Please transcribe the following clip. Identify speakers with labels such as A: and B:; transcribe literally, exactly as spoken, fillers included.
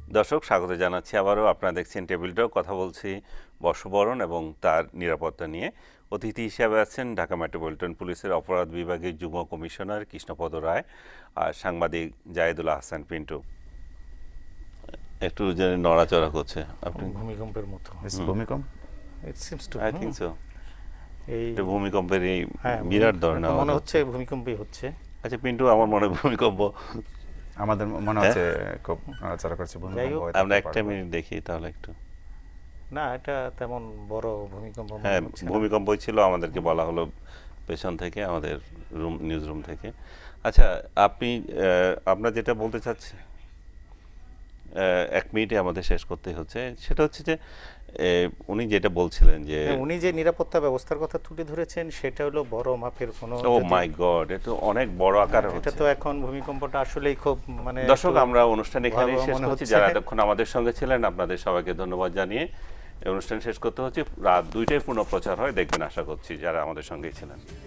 A: দর্শক স্বাগত জানাচ্ছি আবারও। আপনারা দেখছেন টেবিল টক, কথা বলছি বর্ষবরণ এবং তার নিরাপত্তা নিয়ে। অতিথি হিসেবে আছেন ঢাকা মেট্রোপলিটন পুলিশের অপরাধ বিভাগের যুগ্ম কমিশনার কৃষ্ণপদ রায় আর সাংবাদিক জায়েদুল আহসান পিন্টু। একটু যে নড়াচড়া করছে আপনি,
B: ভূমিকম্পের মতো।
C: ভূমিকম্প
B: it seems to
A: I think so.
B: এই
A: এটা ভূমিকম্পের এই
B: হ্যাঁ,
A: বিরাট ধরনের
B: মনে
A: আওয়াজ
B: হচ্ছে ভূমিকম্পই হচ্ছে।
A: আচ্ছা পিন্টু, আমার মনে হয় ভূমিকম্প।
C: আমাদের মনে হচ্ছে খুব নড়াচড়া করছে
B: যাই
C: ভূমিকম্প
B: হোক,
C: হতে
A: আমরা
C: পারে।
A: একটা মিনিট দেখি তাহলে একটু।
B: না, এটা তেমন বড় ভূমিকম্প মনে
A: হ্যাঁ,
B: হচ্ছে না।
A: ভূমিকম্পই ছিল, আমাদেরকে বলা হলো পেছন থেকে, আমাদের রুম নিউজ রুম থেকে। আচ্ছা আপনি আহ, আপনার যেটা বলতে চাচ্ছেন, আহ, এক মিনিটে আমাদের শেষ করতে হচ্ছে, সেটা হচ্ছে যে আহ, উনি যেটা বলছিলেন যে
B: হ্যাঁ, উনি যে নিরাপত্তা ব্যবস্থার কথা তুলে ধরেছেন সেটা হলো বড় মাপের কোনো
A: ও
B: যদি-
A: মাই গড, এটা অনেক বড় আকারে
B: এটা
A: হচ্ছে।
B: তো এখন ভূমিকম্পটা আসলেই খুব মানে
A: দর্শক,
B: একটু
A: আমরা অনুষ্ঠান এখানেই
B: ভয়াবহ
A: শেষ
B: মনে
A: করছি।
B: হচ্ছে।
A: যারা এতক্ষণ আমাদের সঙ্গে ছিলেন আপনাদের সবাইকে ধন্যবাদ জানিয়ে এই অনুষ্ঠান শেষ করতে হচ্ছে। রাত দুইটায় পুনঃ প্রচার হয়, দেখবেন আশা করছি যারা আমাদের সঙ্গেই ছিলেন।